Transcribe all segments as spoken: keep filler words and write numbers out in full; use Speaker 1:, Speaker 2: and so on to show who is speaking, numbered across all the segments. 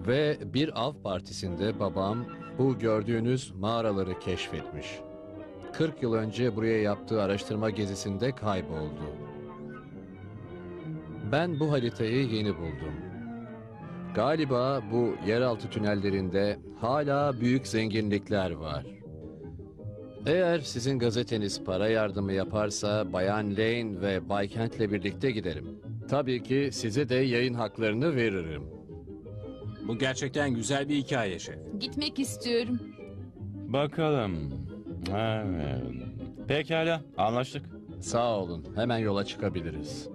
Speaker 1: Ve bir av partisinde babam bu gördüğünüz mağaraları keşfetmiş. kırk yıl önce buraya yaptığı araştırma gezisinde kayboldu. Ben bu haritayı yeni buldum. Galiba bu yeraltı tünellerinde hala büyük zenginlikler var. Eğer sizin gazeteniz para yardımı yaparsa Bayan Lane ve Bay Kent'le birlikte giderim. Tabii ki size de yayın haklarını veririm.
Speaker 2: Bu gerçekten güzel bir hikaye şef.
Speaker 3: Gitmek istiyorum.
Speaker 4: Bakalım. Evet. Pekala, anlaştık.
Speaker 1: Sağ olun, hemen yola çıkabiliriz.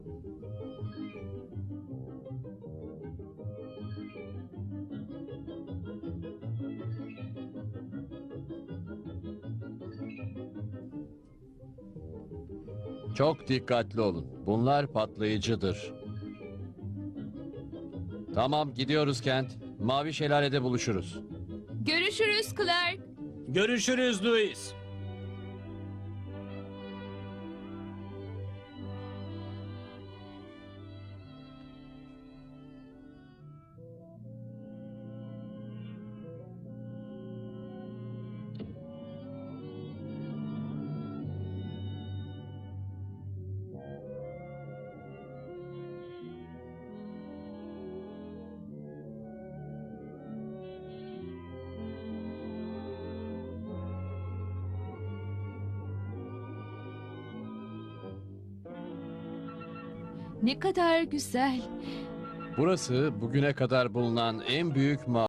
Speaker 1: Çok dikkatli olun. Bunlar patlayıcıdır. Tamam, gidiyoruz Kent. Mavi Şelale'de buluşuruz.
Speaker 3: Görüşürüz Clark.
Speaker 2: Görüşürüz Louis.
Speaker 3: Ne kadar güzel.
Speaker 1: Burası bugüne kadar bulunan en büyük mağara.